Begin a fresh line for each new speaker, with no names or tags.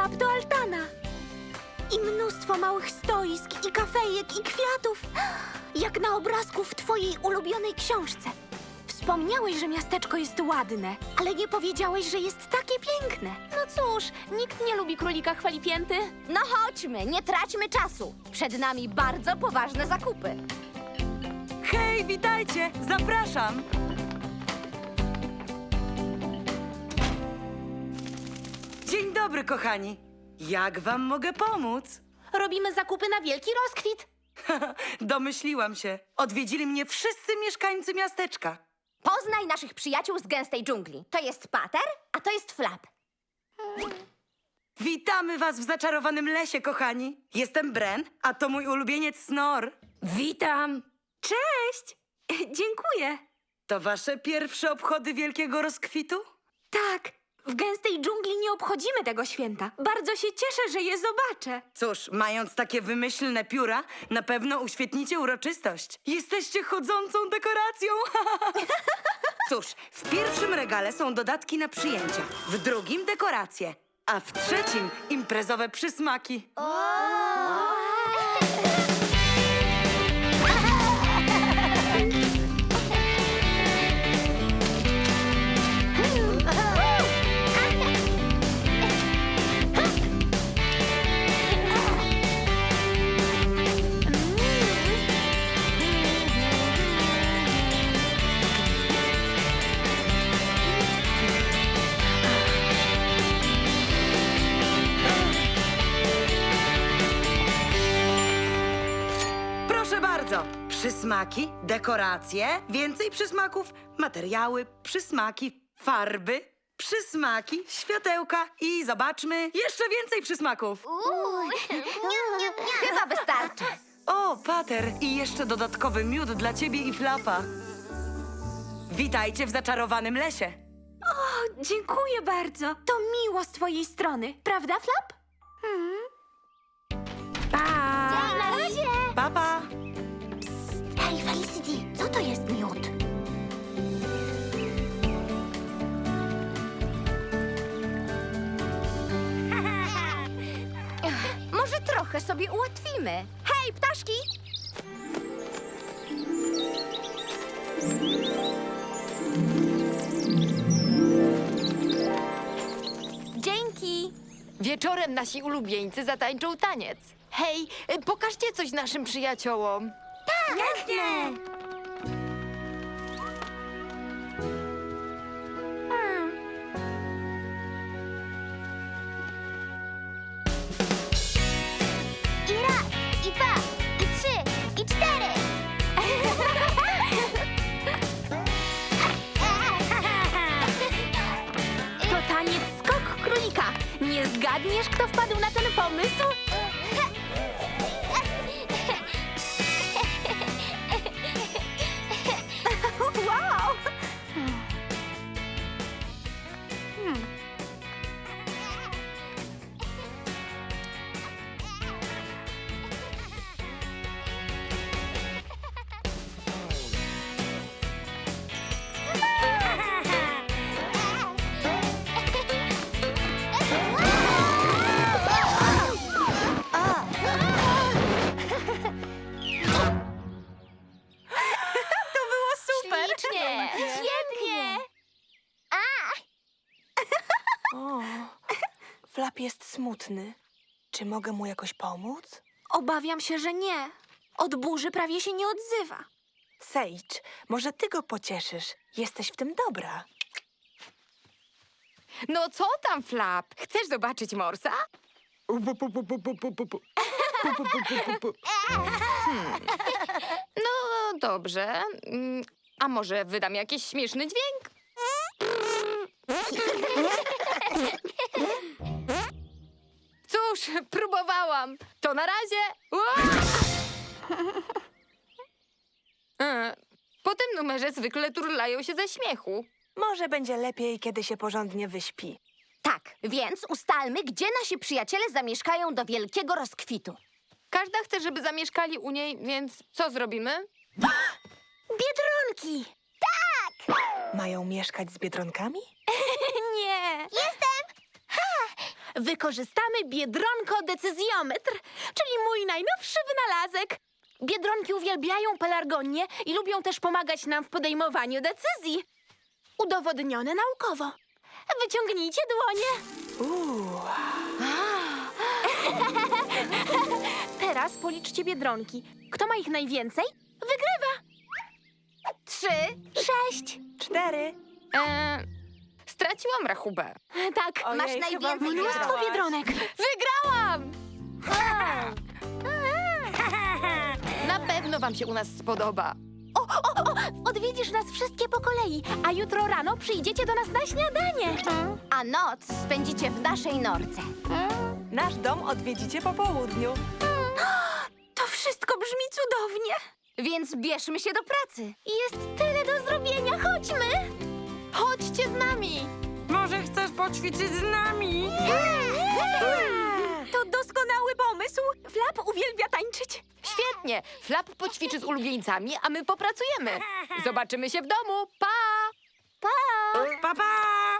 Flap do altana. I mnóstwo małych stoisk, i kafejek, i kwiatów. Jak na obrazku w twojej ulubionej książce. Wspomniałeś, że miasteczko jest ładne, ale nie powiedziałeś, że jest takie piękne.
No cóż, nikt nie lubi królika chwalipięty.
No chodźmy, nie traćmy czasu. Przed nami bardzo poważne zakupy.
Hej, witajcie! Zapraszam! Dzień dobry, kochani. Jak wam mogę pomóc?
Robimy zakupy na wielki rozkwit.
Domyśliłam się. Odwiedzili mnie wszyscy mieszkańcy miasteczka.
Poznaj naszych przyjaciół z gęstej dżungli. To jest Pater, a to jest Flap.
Witamy was w zaczarowanym lesie, kochani. Jestem Bren, a to mój ulubieniec Snor.
Witam. Cześć. Dziękuję.
To wasze pierwsze obchody wielkiego rozkwitu?
Tak, w gęstej dżungli nie obchodzimy tego święta. Bardzo się cieszę, że je zobaczę.
Cóż, mając takie wymyślne pióra, na pewno uświetnicie uroczystość. Jesteście chodzącą dekoracją. Cóż, w pierwszym regale są dodatki na przyjęcia, w drugim dekoracje, a w trzecim imprezowe przysmaki. Proszę bardzo, przysmaki, dekoracje, więcej przysmaków, materiały, przysmaki, farby, przysmaki, światełka i zobaczmy, jeszcze więcej przysmaków.
Chyba wystarczy.
O, Pater, i jeszcze dodatkowy miód dla ciebie i Flapa. Witajcie w zaczarowanym lesie.
O, dziękuję bardzo. To miło z twojej strony, prawda, Flap? Pa!
Na razie.
Papa.
Hej, Felicity, co to jest miód?
Może trochę sobie ułatwimy. Hej, ptaszki! Dzięki.
Wieczorem nasi ulubieńcy zatańczą taniec. Hej, pokażcie coś naszym przyjaciołom.
Jasne!
I raz, i dwa, i trzy, i cztery.
To taniec skok królika. Nie zgadniesz, kto wpadł na ten pomysł?
Wow!
Ślicznie. Świetnie.
O, Flap jest smutny. Czy mogę mu jakoś pomóc?
Obawiam się, że nie. Od burzy prawie się nie odzywa.
Sage, może ty go pocieszysz. Jesteś w tym dobra.
No co tam, Flap? Chcesz zobaczyć Morsa? No dobrze. A może wydam jakiś śmieszny dźwięk? Cóż, próbowałam. To na razie. Po tym numerze zwykle turlają się ze śmiechu.
Może będzie lepiej, kiedy się porządnie wyśpi.
Tak, więc ustalmy, gdzie nasi przyjaciele zamieszkają do wielkiego rozkwitu.
Każda chce, żeby zamieszkali u niej, więc co zrobimy?
Biedronki!
Mają mieszkać z biedronkami?
Nie!
wykorzystamy biedronko-decyzjometr, czyli mój najnowszy wynalazek. Biedronki uwielbiają pelargonię i lubią też pomagać nam w podejmowaniu decyzji. Udowodnione naukowo. Wyciągnijcie dłonie. Teraz policzcie biedronki. Kto ma ich najwięcej, wygrywa.
3.
6.
4.
Straciłam rachubę.
Tak,
Ojej,
Masz
chyba
najwięcej
wygrałaś.
mnóstwo biedronek.
Wygrałam! Na pewno wam się u nas spodoba.
Odwiedzisz nas wszystkie po kolei, a jutro rano przyjdziecie do nas na śniadanie.
A noc spędzicie w naszej norce.
Nasz dom odwiedzicie po południu.
To wszystko brzmi cudownie.
Więc bierzmy się do pracy.
Jest tyle do zrobienia, chodźmy.
Chodźcie z nami!
Może chcesz poćwiczyć z nami?
To doskonały pomysł. Flap uwielbia tańczyć.
Świetnie! Flap poćwiczy z ulubieńcami, a my popracujemy. Zobaczymy się w domu. Pa!
Pa, pa!